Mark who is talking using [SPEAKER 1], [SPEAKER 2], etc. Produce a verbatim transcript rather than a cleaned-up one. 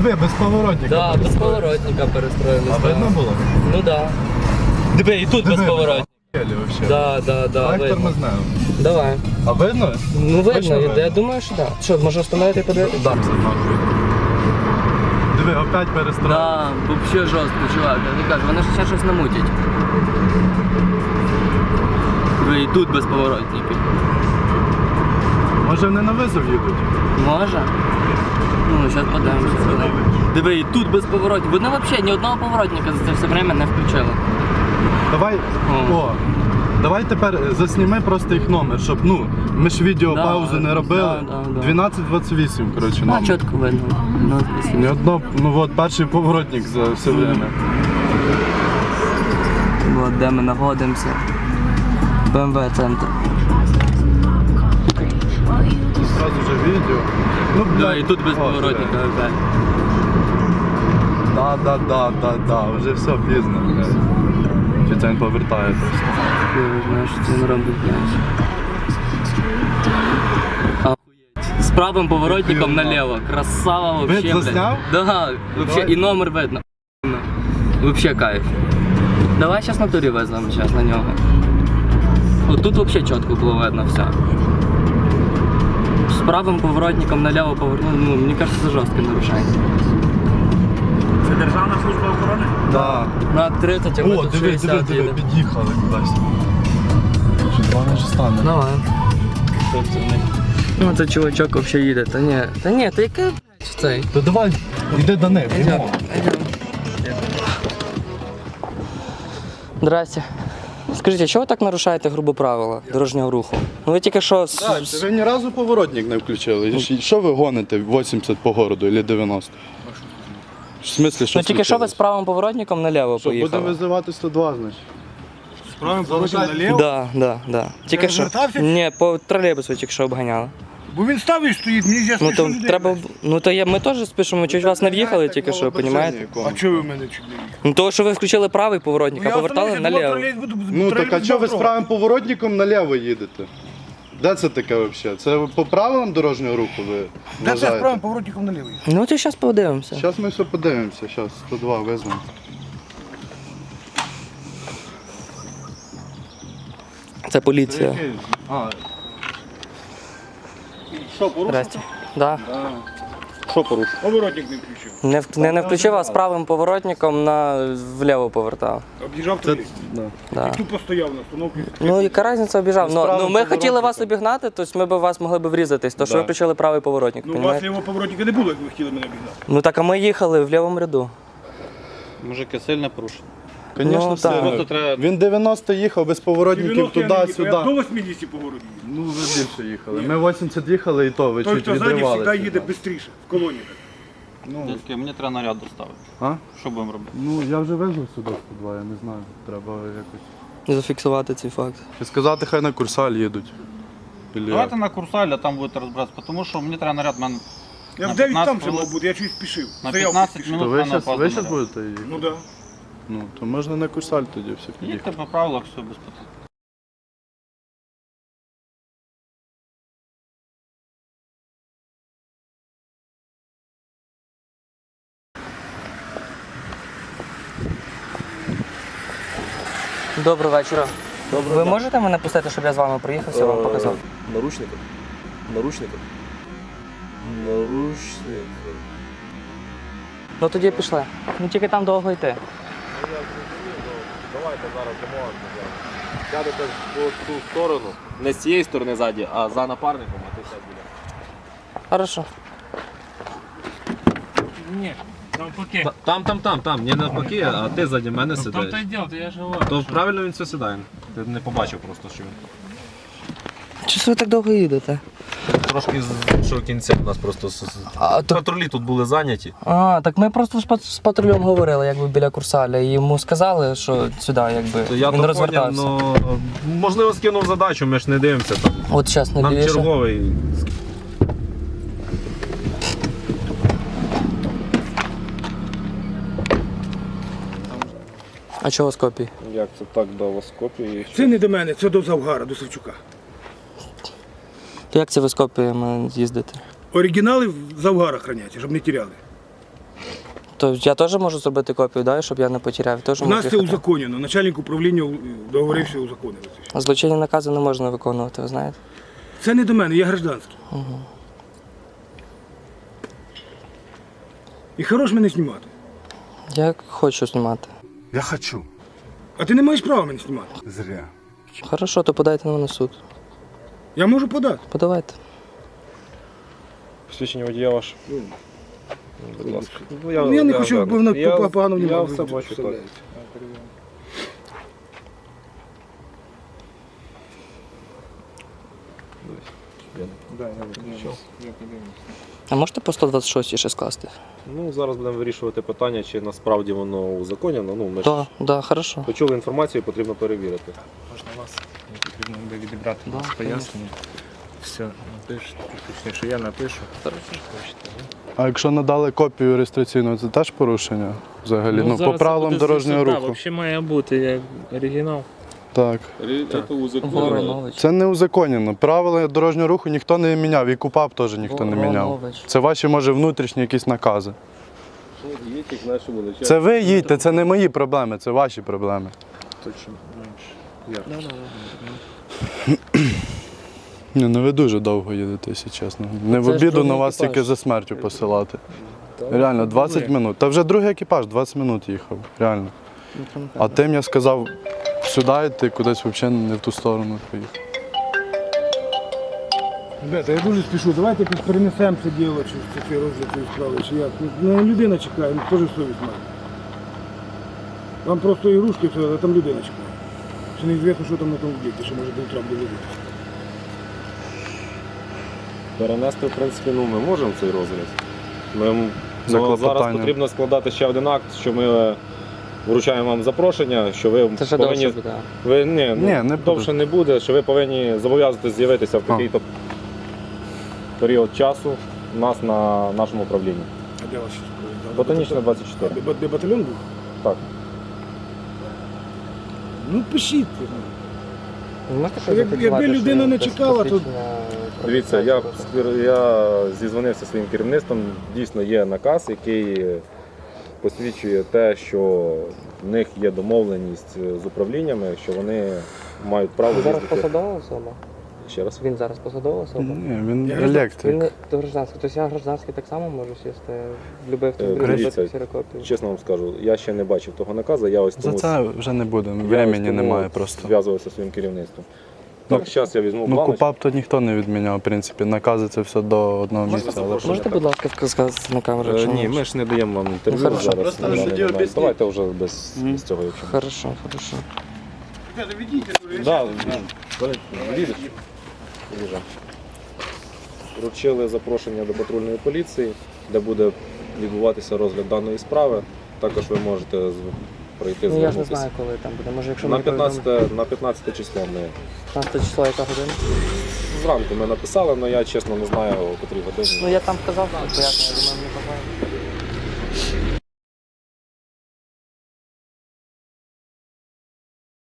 [SPEAKER 1] Диви, без поворотника.
[SPEAKER 2] Да, без поворотника перестроїли.
[SPEAKER 1] А видно було?
[SPEAKER 2] Ну да. Диви, і тут
[SPEAKER 1] Диви,
[SPEAKER 2] без поворотника.
[SPEAKER 1] вообще.
[SPEAKER 2] Да, да, да,
[SPEAKER 1] Трактор
[SPEAKER 2] видно.
[SPEAKER 1] ми знаємо.
[SPEAKER 2] Давай.
[SPEAKER 1] А видно?
[SPEAKER 2] Ну видно,
[SPEAKER 1] Точно
[SPEAKER 2] я,
[SPEAKER 1] видно?
[SPEAKER 2] я думаю, що так. Да. Що, може встановити і подивитися?
[SPEAKER 1] Да, все нахуй. Диви, опять перестроїли.
[SPEAKER 2] Да, взагалі жорстко, чувак. Я не кажу, вони ж ще щось намутять. Ви і тут без поворотників.
[SPEAKER 1] Може вони на визов їдуть?
[SPEAKER 2] Може? Ну, зараз подивимося. Диви, і тут без поворотників. Вони взагалі ні одного поворотника за це все время не включили.
[SPEAKER 1] Давай,
[SPEAKER 2] О.
[SPEAKER 1] о, давай тепер засніми просто їх номер, щоб, ну, ми ж відео
[SPEAKER 2] Да,
[SPEAKER 1] паузи не робили.
[SPEAKER 2] да, да, да.
[SPEAKER 1] дванадцять двадцять вісім, коротше,
[SPEAKER 2] А,
[SPEAKER 1] номер.
[SPEAKER 2] чітко видно. Ну,
[SPEAKER 1] Ні одно, ну от перший поворотник за все время.
[SPEAKER 2] от де ми знаходимося. Б М В центр.
[SPEAKER 1] Тут сразу же відео. Ну,
[SPEAKER 2] Да, і тут без
[SPEAKER 1] О,
[SPEAKER 2] поворотника
[SPEAKER 1] блядь.
[SPEAKER 2] опять.
[SPEAKER 1] Да, да, да, да, да, вже все пізно, блядь. Чи це він повертає просто?
[SPEAKER 2] Я знаю, що це не робить, блядь. Охуєть. З правим поворотником
[SPEAKER 1] Охуєнно.
[SPEAKER 2] наліво. Красава вообще,
[SPEAKER 1] Вид
[SPEAKER 2] блядь.
[SPEAKER 1] засняв?
[SPEAKER 2] Да, вообще,
[SPEAKER 1] Давай.
[SPEAKER 2] і номер видно. Вообще кайф. Давай зараз на турі веземо, зараз на нього. От тут вообще чітко було видно все. З правим поворотником наліво повернув, ну, мені кажется, це жорстке нарушення.
[SPEAKER 3] Це Державна служба охорони?
[SPEAKER 1] Да.
[SPEAKER 2] На тридцять, а ми
[SPEAKER 1] О,
[SPEAKER 2] тут
[SPEAKER 1] диви,
[SPEAKER 2] шістдесят
[SPEAKER 1] диви, диви,
[SPEAKER 2] їдемо.
[SPEAKER 1] під'їхали кудись. Що два вже стане?
[SPEAKER 2] Давай. Ну це чувачок вообще їде. Та ні, та ні, та яке блядь, цей?
[SPEAKER 1] То давай, йди до них.
[SPEAKER 2] Идем, идем. Здрасте. Скажіть, чого ви так нарушаєте грубо правила дорожнього руху? Ну ви тільки що... з-
[SPEAKER 1] Так,
[SPEAKER 2] з-
[SPEAKER 1] ви ні разу поворотник не включили. І Що ви гоните вісімдесят по городу або дев'яносто? В смислі, що
[SPEAKER 2] Ну тільки що ви з
[SPEAKER 1] случилось?
[SPEAKER 2] правим поворотником наліво
[SPEAKER 1] Що, будемо
[SPEAKER 2] поїхали?
[SPEAKER 1] визивати сто два, значить?
[SPEAKER 3] Справимо порушив наліво.
[SPEAKER 2] Да, да, да. Тільки що.
[SPEAKER 3] розвертався?
[SPEAKER 2] Ні, по тролейбусу тільки що обганяли.
[SPEAKER 3] Бо він став і стоїть, мені з'ясно,
[SPEAKER 2] Ну то треба... б- Ну то я, ми теж спішимо, чуть вас не в'їхали тільки що, розумієте?
[SPEAKER 3] А чого ви мене чуть не їхали?
[SPEAKER 2] Ну того, що ви включили правий поворотник, а повертали наліво.
[SPEAKER 1] Ну так а чого ви з правим поворотником наліво їдете? Де це таке взагалі? Це по правилам дорожнього руху ви
[SPEAKER 3] Де це
[SPEAKER 1] вважаєте?
[SPEAKER 3] справимо поворотником наліво?
[SPEAKER 2] Ну то зараз подивимося.
[SPEAKER 1] Зараз ми все подивимося, зараз сто два визвемо.
[SPEAKER 2] Це поліція.
[SPEAKER 1] А,
[SPEAKER 3] Що, порушив?
[SPEAKER 2] Здрасте. Да.
[SPEAKER 1] що порушив?
[SPEAKER 3] Поворотник не включив.
[SPEAKER 2] Не, в- не, не включив, а з правим поворотником на вліво повертав.
[SPEAKER 3] Об'їжджав
[SPEAKER 1] Це,
[SPEAKER 3] туди.
[SPEAKER 1] да.
[SPEAKER 2] Да.
[SPEAKER 3] Тупо стояв на остановці.
[SPEAKER 2] Ну яка різниця обіжав?
[SPEAKER 1] З
[SPEAKER 2] Ну,
[SPEAKER 1] правим
[SPEAKER 2] ну ми хотіли
[SPEAKER 1] поворотником.
[SPEAKER 2] вас обігнати, то ми б вас могли б врізатись, то що
[SPEAKER 1] Да.
[SPEAKER 2] ви включили правий поворотник,
[SPEAKER 3] Ну, у вас
[SPEAKER 2] понімаєте?
[SPEAKER 3] лівого поворотника не було, як ви хотіли мене обігнати.
[SPEAKER 2] Ну так а ми їхали в лівому ряду.
[SPEAKER 4] Мужики сильно порушили.
[SPEAKER 1] Звісно,
[SPEAKER 2] Ну,
[SPEAKER 1] сильно.
[SPEAKER 2] так.
[SPEAKER 4] Просто треба-
[SPEAKER 1] Він дев'яносто їхав без поворотників
[SPEAKER 3] дев'яносто я не їхав,
[SPEAKER 1] туди-сюди.
[SPEAKER 3] я до вісімдесят по городу їду.
[SPEAKER 1] Ну, ви більше їхали. Ми вісімдесят їхали і то ви
[SPEAKER 3] Той,
[SPEAKER 1] чуть
[SPEAKER 3] хто ззаді,
[SPEAKER 1] відривалися.
[SPEAKER 3] завжди їде швидше, в колоні.
[SPEAKER 1] Ну,
[SPEAKER 4] Дядьки, мені треба наряд доставити.
[SPEAKER 1] а?
[SPEAKER 4] Що будемо робити?
[SPEAKER 1] Ну, я вже везу сюди сто два, я не знаю. Треба якось.
[SPEAKER 2] Зафіксувати цей факт.
[SPEAKER 1] Чи сказати, хай на Курсаль їдуть. Ілі
[SPEAKER 4] Давайте
[SPEAKER 1] як?
[SPEAKER 4] на Курсаль, а там будете розбиратися, тому що мені треба наряд, мене
[SPEAKER 3] Я
[SPEAKER 4] На
[SPEAKER 3] в дев'ять там
[SPEAKER 4] п'ятнадцять
[SPEAKER 3] ще мав
[SPEAKER 4] хвилин.
[SPEAKER 3] бути, я чуть спішив.
[SPEAKER 4] на
[SPEAKER 3] Стояв,
[SPEAKER 4] п'ятнадцять
[SPEAKER 3] спішив.
[SPEAKER 1] То
[SPEAKER 4] минут
[SPEAKER 1] ви
[SPEAKER 4] мене
[SPEAKER 1] зараз ви
[SPEAKER 4] опаздує
[SPEAKER 1] щас
[SPEAKER 4] наряд.
[SPEAKER 1] будете їхати?
[SPEAKER 3] Ну так. Да.
[SPEAKER 1] Ну, то можна на Курсаль тоді все
[SPEAKER 4] Їдьте
[SPEAKER 1] під'їхати.
[SPEAKER 4] по правилах, все без питань.
[SPEAKER 2] Доброго вечора. Ви можете мене пустити, щоб я з вами проїхався, вам показав?
[SPEAKER 5] Наручников. Наручников. Наручников.
[SPEAKER 2] Ну тоді пішли. Ну тільки там довго йти.
[SPEAKER 5] Давайте зараз домовимося. Сядете по ту сторону. Не з цієї сторони ззаді, а за напарником, а ти сядь біля.
[SPEAKER 2] Хорошо.
[SPEAKER 3] Ні, навпаки.
[SPEAKER 6] Там, там, там, там, не навпаки, а ти ззаді мене сидаєш.
[SPEAKER 3] Там то й діло, то я ж говорю.
[SPEAKER 6] То правильно він все сідає. Ти не побачив просто, що він.
[SPEAKER 2] Чого ви так довго їдете?
[SPEAKER 5] Трошки з іншого кінця у нас просто с- с-
[SPEAKER 2] А, то...
[SPEAKER 5] патрулі тут були зайняті.
[SPEAKER 2] а, так ми просто з, пат- з патрулем говорили, якби біля Курсаля, і йому сказали, що сюди, якби
[SPEAKER 6] То я
[SPEAKER 2] він
[SPEAKER 6] то поняв,
[SPEAKER 2] розвертався.
[SPEAKER 6] ну можливо скинув задачу, ми ж не дивимося там.
[SPEAKER 2] От зараз не
[SPEAKER 6] Нам
[SPEAKER 2] більше.
[SPEAKER 6] черговий.
[SPEAKER 2] А чого з копії?
[SPEAKER 5] Як це так до вас копії?
[SPEAKER 3] Це не до мене, це до Завгара, до Савчука.
[SPEAKER 2] То як це ви з копіями з'їздите?
[SPEAKER 3] Оригінали в Завгара храняться, щоб не тіряли.
[SPEAKER 2] То я теж можу зробити копію, да, щоб я не потеряв. Теж
[SPEAKER 3] У
[SPEAKER 2] можу
[SPEAKER 3] нас це
[SPEAKER 2] їхати.
[SPEAKER 3] узаконено. Начальник управління договорився узаконити. це.
[SPEAKER 2] Злочинні накази не можна виконувати, ви знаєте?
[SPEAKER 3] Це не до мене, я гражданський.
[SPEAKER 2] Угу.
[SPEAKER 3] І хорош мене знімати.
[SPEAKER 2] Я хочу знімати.
[SPEAKER 1] Я хочу.
[SPEAKER 3] А ти не маєш права мене знімати.
[SPEAKER 1] Зря.
[SPEAKER 2] Хорошо, то подайте на мене в суд.
[SPEAKER 3] Я можу подати.
[SPEAKER 2] Подавайте.
[SPEAKER 6] Посвідчення водія ваше. Будь ласка. Ну, я,
[SPEAKER 3] Ну, я не хочу, аби воно
[SPEAKER 6] я,
[SPEAKER 3] погано
[SPEAKER 6] я
[SPEAKER 3] внімало.
[SPEAKER 6] все бачу так.
[SPEAKER 2] А можете по сто двадцять шість ще скласти?
[SPEAKER 6] Ну, зараз будемо вирішувати питання, чи насправді воно узаконено. Ну, ми ж
[SPEAKER 2] Так, да, да, хорошо.
[SPEAKER 6] почули інформацію, потрібно перевірити.
[SPEAKER 3] Можна вас, мені потрібно буде відібрати
[SPEAKER 2] Да,
[SPEAKER 3] вас пояснення. Все, напишете, точніше, я напишу.
[SPEAKER 1] А якщо надали копію реєстраційну, це теж порушення взагалі? Ну, по правилам дорожнього руху.
[SPEAKER 3] Взагалі має бути як оригінал.
[SPEAKER 1] Так.
[SPEAKER 2] Воронович.
[SPEAKER 1] Це не узаконено. Правила дорожнього руху ніхто не міняв, і КУПАП теж ніхто не міняв.
[SPEAKER 2] Воронович.
[SPEAKER 1] Це ваші, може, внутрішні якісь накази. Це ви їдьте, це не мої проблеми, це ваші проблеми. Ні, ну ви дуже довго їдете, якщо чесно. Не в
[SPEAKER 2] Це ж
[SPEAKER 1] обіду на
[SPEAKER 2] другий
[SPEAKER 1] вас
[SPEAKER 2] екіпаж.
[SPEAKER 1] тільки за смертю посилати. Реально, двадцять минут. Та вже другий екіпаж, двадцять минут їхав. Реально. А тим я сказав, сюди йти, кудись взагалі не в ту сторону поїхав.
[SPEAKER 3] Ребята, я дуже спішу, давайте якось перенесемо це діло, чи це цей розгляд цієї справи, чи як. Ну, людина чекає, ну, теж совість має. Вам просто ігрушки, все, а там людина чекає. Ще неізвісно, що там на тому об'єкті, що може до утра буде видно.
[SPEAKER 6] Перенести, в принципі, ну, ми можемо цей розгляд. Ми, м-
[SPEAKER 1] За
[SPEAKER 6] ну, зараз
[SPEAKER 1] клопотанням.
[SPEAKER 6] потрібно складати ще один акт, що ми вручаємо вам запрошення, що ви
[SPEAKER 2] Це ще
[SPEAKER 6] повинні...
[SPEAKER 2] довше буде.
[SPEAKER 6] Ви, ні, ну,
[SPEAKER 1] Ні, не буде.
[SPEAKER 6] довше не буде, що ви повинні зобов'язатися з'явитися в
[SPEAKER 1] А.
[SPEAKER 6] такий-то період часу у нас на нашому управлінні.
[SPEAKER 3] А де вас ще справді?
[SPEAKER 6] Ботанічна двадцять чотири.
[SPEAKER 3] Де, де батальйон був?
[SPEAKER 6] Так.
[SPEAKER 3] Ну пишіть.
[SPEAKER 2] Ви можете
[SPEAKER 3] Як-
[SPEAKER 2] зафіксувати,
[SPEAKER 3] якби
[SPEAKER 2] що
[SPEAKER 3] людина не
[SPEAKER 2] без
[SPEAKER 3] чекала, то-
[SPEAKER 2] посвідчення
[SPEAKER 6] Дивіться, я,
[SPEAKER 2] правоохоронця?
[SPEAKER 6] я зізвонився зі своїм керівництвом. Дійсно є наказ, який посвідчує те, що в них є домовленість з управліннями, що вони мають право
[SPEAKER 2] Він зараз
[SPEAKER 6] їздити.
[SPEAKER 2] посадова особа?
[SPEAKER 6] Ще раз.
[SPEAKER 2] Він зараз посадова особа?
[SPEAKER 1] Ні, він
[SPEAKER 3] Я
[SPEAKER 2] Він
[SPEAKER 1] електрик.
[SPEAKER 2] не то гражданський. Тобто я гражданський так само можу сісти в будь-який автомобіль,
[SPEAKER 6] Е,
[SPEAKER 2] робити
[SPEAKER 6] дивіться,
[SPEAKER 2] ксерокопію?
[SPEAKER 6] Чесно вам скажу, я ще не бачив того наказу, я ось
[SPEAKER 1] За
[SPEAKER 6] тому,
[SPEAKER 1] це вже не буде,
[SPEAKER 6] я ось
[SPEAKER 1] времени
[SPEAKER 6] тому
[SPEAKER 1] немає просто.
[SPEAKER 6] зв'язувався зі своїм керівництвом.
[SPEAKER 1] Ну,
[SPEAKER 6] Так, зараз я візьму
[SPEAKER 1] Ну,
[SPEAKER 6] планочку.
[SPEAKER 1] КУПАП то ніхто не відміняв, в принципі. Накази це все до одного місця. Але
[SPEAKER 6] запрошувати?
[SPEAKER 2] Можете, будь ласка, сказати на камеру?
[SPEAKER 6] Е,
[SPEAKER 2] якщо
[SPEAKER 6] Ні,
[SPEAKER 2] можна?
[SPEAKER 6] ми ж не даємо вам інтерв'ю
[SPEAKER 2] Ну, хорошо.
[SPEAKER 6] зараз.
[SPEAKER 1] Просто
[SPEAKER 6] на даний
[SPEAKER 1] судді
[SPEAKER 6] момент.
[SPEAKER 1] об'ясніть.
[SPEAKER 6] Давайте вже без, без цього, якщо.
[SPEAKER 2] Хорошо, хорошо.
[SPEAKER 6] Да, їдеш? Їжджу. Вручили запрошення до патрульної поліції, де буде відбуватися розгляд даної справи. Також ви можете з- пройти
[SPEAKER 2] Ну я ж не
[SPEAKER 6] звернутися.
[SPEAKER 2] знаю, коли там буде. Може, якщо
[SPEAKER 6] На
[SPEAKER 2] мені повідомлять.
[SPEAKER 6] п'ятнадцяте, на п'ятнадцяте число ми
[SPEAKER 2] п'ятнадцяте число, яка година?
[SPEAKER 6] зранку ми написали, але я чесно не знаю, о котрій годині.
[SPEAKER 2] Ну я там вказав, що пояснення, я думаю, мені позвонять.